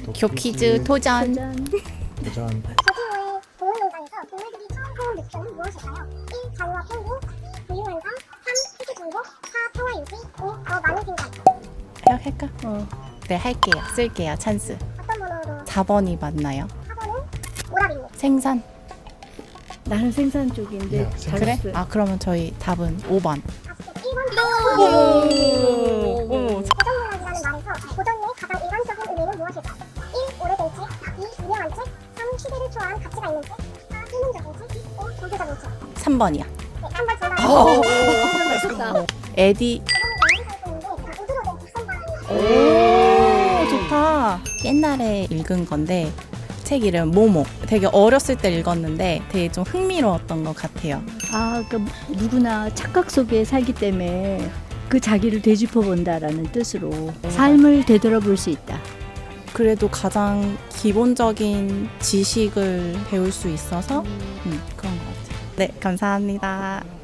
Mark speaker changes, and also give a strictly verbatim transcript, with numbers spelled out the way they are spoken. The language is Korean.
Speaker 1: 교퀴즈 도전.
Speaker 2: 도전.
Speaker 3: 도전.
Speaker 4: 제주도의 동물농장에서 동물들이 처음 본 느낌은 무엇일까요? 일. 자유와 평등, 이. 부유현상, 삼. 세계 정복, 사. 평화 유지, 오. 더 많은 생각.
Speaker 1: 할까?
Speaker 2: 어.
Speaker 1: 네, 할게요. 쓸게요. 찬스.
Speaker 4: 어떤 번호로?
Speaker 1: 사 번이 맞나요?
Speaker 4: 사 번은 오답입니다.
Speaker 1: 생산.
Speaker 2: 나는 생산 쪽인데
Speaker 3: 네, 생산.
Speaker 1: 그래?
Speaker 2: 잘했어요.
Speaker 1: 아, 그러면 저희 답은 오 번.
Speaker 4: 아쉽게 일 번.
Speaker 1: 오.
Speaker 4: 고전문학이라는 말에서 고전의 가장 일반적인 의미는 무엇일까요? 일. 오래된 책, 이. 유명한 책, 삼. 시대를 초월한 가치가 있는 책, 사. 실용적인 책, 오. 경제적인 책.
Speaker 1: 삼 번이요.
Speaker 4: 네, 삼 번 정답.
Speaker 1: 오.
Speaker 2: 맞췄다.
Speaker 1: 에디.
Speaker 4: 저번에 영양사 있는데 우주로 된 직선방.
Speaker 1: 오, 좋다. 옛날에 읽은 건데 책 이름 모모. 되게 어렸을 때 읽었는데 되게 좀 흥미로웠던 것 같아요.
Speaker 2: 아, 그러니까 누구나 착각 속에 살기 때문에 그 자기를 되짚어 본다라는 뜻으로 삶을 되돌아볼 수 있다.
Speaker 1: 그래도 가장 기본적인 지식을 배울 수 있어서 음, 그런 것 같아요. 네, 감사합니다.